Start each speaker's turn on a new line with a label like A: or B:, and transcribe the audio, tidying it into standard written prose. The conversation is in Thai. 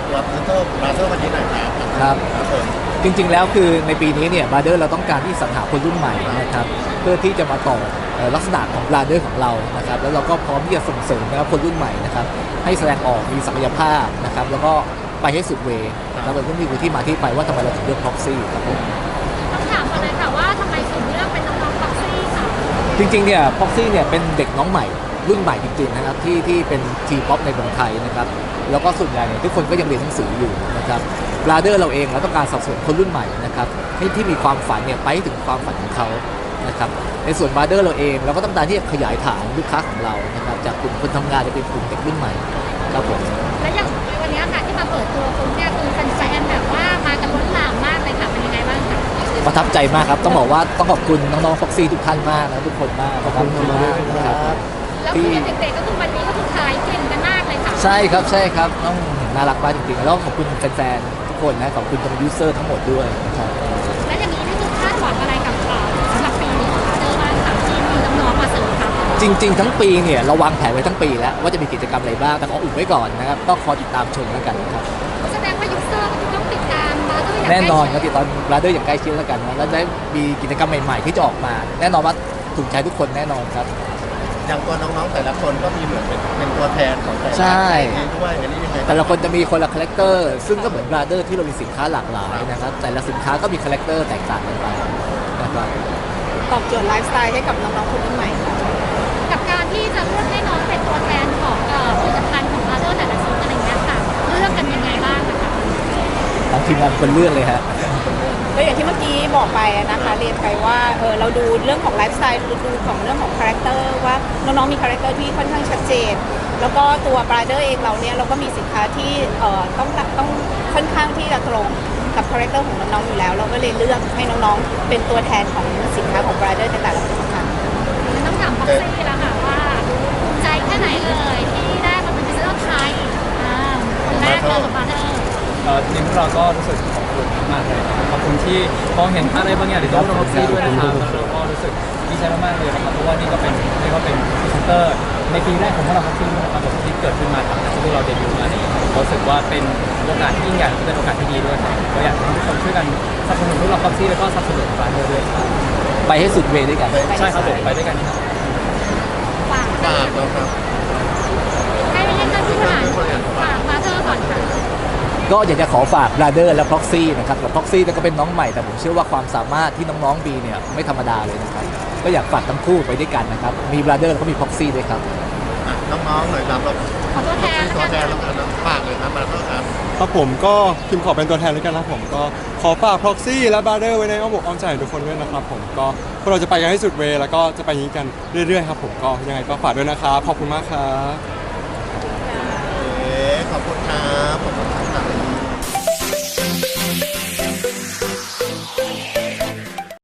A: ตัวพรีเซนเตอร์บราเซอร์วันนี้หน่อยครับ
B: ครับ
A: ครับผม
B: จริงๆแล้วคือในปีนี้เนี่ยบราเดอร์เราต้องการที่สรรหาคนรุ่นใหม่นะครับเพื่อที่จะมาต่อลักษณะของบราเดอร์ของเรานะครับแล้วเราก็พร้อมที่จะส่งเสริมนะครับคนรุ่นใหม่นะครับให้แสดงออกมีศักยภาพนะครับแล้วก็ไปให้สุดเวย์แล้วมันก็มีที่มาที่ไปว่าทำไมเราถึงเลือก Proxy ครับผม
C: ต้องถามก่อนเลยค่ะว่าทำไมถึงเลือกเป็นน้องๆ Proxy ค่ะ
B: จริงๆเนี่ย Proxy เนี่ยเป็นเด็กน้องใหม่รุ่นใหม่จริงๆนะครับที่เป็นทีป๊อปในเมืองไทยนะครับแล้วก็ส่วนใหญ่เนี่ยทุกคนก็ยังเรียนหนังสืออยู่นะครับบราเดอร์เราเองเราต้องการสนับสนุนคนรุ่นใหม่นะครับที่มีความฝันเนี่ยไปให้ถึงความฝันของเขานะครับในส่วนบราเดอร์เราเองเราก็ต้องการที่จะขยายฐานลูกค้าของเรานะครับจากกลุ่มคนทำงานจะเป็นกลุ่มเด็กรุ่นใหม่ครับผม
C: และอย่างในวันนี้ค่ะที่มาเปิดตัวคุณเนี่ยคือแฟนๆแบบว่ามากันล้นหลามมากเลยค่ะเป็นยังไงบ้างคะ
B: ประทับใจมากครับต้องบอกว่าต้องขอบคุณน้องๆ Proxy ทุกท่านมากนะทุกคนมากขอบคุณมากนะครับ
C: แล้วคือเด็กๆก็คือวันนี้ก็คือขายเก่งกันมากเลยค่ะ
B: ใช่ครับต้องน่ารักมากจริงๆแล้วขอบคุณแฟนๆทุกคนนะขอบคุณทางยูเซอร์ทั้งหมดด้วยนะครับ
C: และอย่างนี้นี่คือคาดหวังอะไรกับสำหรับปีนี้ของเจอบ้างค่ะที่มีน้องๆมาเสริมทัพ
B: จริงๆทั้งปีเนี่ยเราวางแผนไว้ทั้งปีแล้วว่าจะมีกิจกรรมอะไรบ้างแต่ขออุบไว้ก่อนนะครับก็คอยติดตามชมแล้วกันนะครับ
C: แสดงว่ายูเซอร์ก็ต้องติดตามมาด้วยอย่าง
B: แน่นอน
C: ใก
B: ครั
C: ล้
B: บ
C: ชิ
B: ติดตามบราเดอร์อย่างใกล้ชิดแล้วกันนะแล้วได้มีกิจกรรมใหม่ๆที่จะออกมา แน่นอนว่าถูกใจทุกคนแน่นอนครับ
A: อย่างตัวน้องๆแต่ละคนก็มีเหมือนเป็นตัวแทนของแต่ละ
B: ใช่
A: นี้ด้วยอันนี้ยังไง
B: แต่ละคนจะมีคนละคาแรคเตอร์ซึ่งก็เหมือนบราเดอร์ที่เรามีสินค้าหลากหลายนะครับแต่ละสินค้าก็มีคาแรคเตอร์แตกต่างกันไปนะครับ
D: ตอบโจทย์ไลฟ์สไตล์ให้กับน้องๆคนรุ่นใหม่ค่ะ
C: กับการที่จะเลือกให้น้องเป็นตัวแทนของผลิตภัณฑ์ของมาเดอร์แต่ละชิ้นอะไรเงี้ยค่ะเลือกกันยังไงบ้างนะคะ
B: ทางทีมงานเป็นคนเลือกเลยฮะ
D: ก็อย่างที่เมื่อกี้บอกไปนะคะเรียนไปว่าเราดูเรื่องของไลฟ์สไตล์ดูของเรื่องของคาแรคเตอร์ว่าน้องๆมีคาแรคเตอร์ที่ค่อนข้างชัดเจน แล้วก็ตัวบราเดอร์เองเราเนี่ยเราก็มีสินค้าที่ต้องค่อนข้างที่จะตรงกับคาแรคเตอร์ของน้องๆอยู่แล้ว เราก็เลยเลือกให้น้องๆเป็นตัวแทนของสินค้าของบราเดอร์ในแต่ละผลิตภัณฑ์
C: ต้องถามพ็อกซี่แล้วค่ะว่าภูมิใจแค่ไหนเลยที่ได้มาเป็นพรีเซนเตอร์ไทยคนแรกเลยกับมาเดอร์
E: จริงๆเราก็รู้สึกขอบคุณมากเลยนะครับขอบคุณที่มองเห็นอะไรบางอย่างในตัวเราซี่ด้วยนะครับแล้วเราก็รู้สึกดีใจมากๆเลยนะครับเพราะว่านี่ก็เป็นพรีเซนเตอร์ในปีแรกของพวกเราซี่ด้วยนะครับผมที่เกิดขึ้นมาจากที่เราเดบิวต์มาเนี่ยรู้สึกว่าเป็นโอกาสที่ยิ่งใหญ่และเป็นโอกาสที่ดีด้วยครับก็อยากให้ทุกคนช่วยกันสนับสนุนพวกเราซี่แล้วก็สนับสนุนร้านด้วยครับ
B: ไปให้สุดเวย์ด้วยกัน
E: ใช่ครับผมไปด้วยกันครับ
C: ฝาก
A: ฝากนะครับ
C: ให้ท่านผู้บริหารฝากมาเดอร์ก่อนค่ะ
B: ก็อยากจะขอฝากบราเดอร์และ Proxy นะครับกับ Proxy ก็เป็นน้องใหม่แต่ผมเชื่อว่าความสามารถที่น้องๆมีเนี่ยไม่ธรรมดาเลยนะครับก็อยากฝากทั้งคู่ไปด้วยกันนะครับมีบราเดอร์แล้วก็มี Proxy ด้วยครับ
A: น้องๆหน่อยครับเรา
C: ขอตัวแทน
A: ตัวแทน
C: แล้
A: แล้ว ว
C: กัน
A: กันฝากเลยครับมาแล้วครับ
F: ครับผมก็พิมพ์ขอเป็นตัวแทนแล้วกันนะผมก็ขอฝาก Proxy และ Brother ไว้ในอ้อมอกอ้อมใจของทุกคนด้วยนะครับผมก็พวกเราจะไปกันให้สุดเวย์แล้วก็จะไปอย่างนี้กันเรื่อยๆครับผมก็ยังไงก็ฝากด้วยนะครับขอบคุณมากครับ
A: ขอบคุณครับ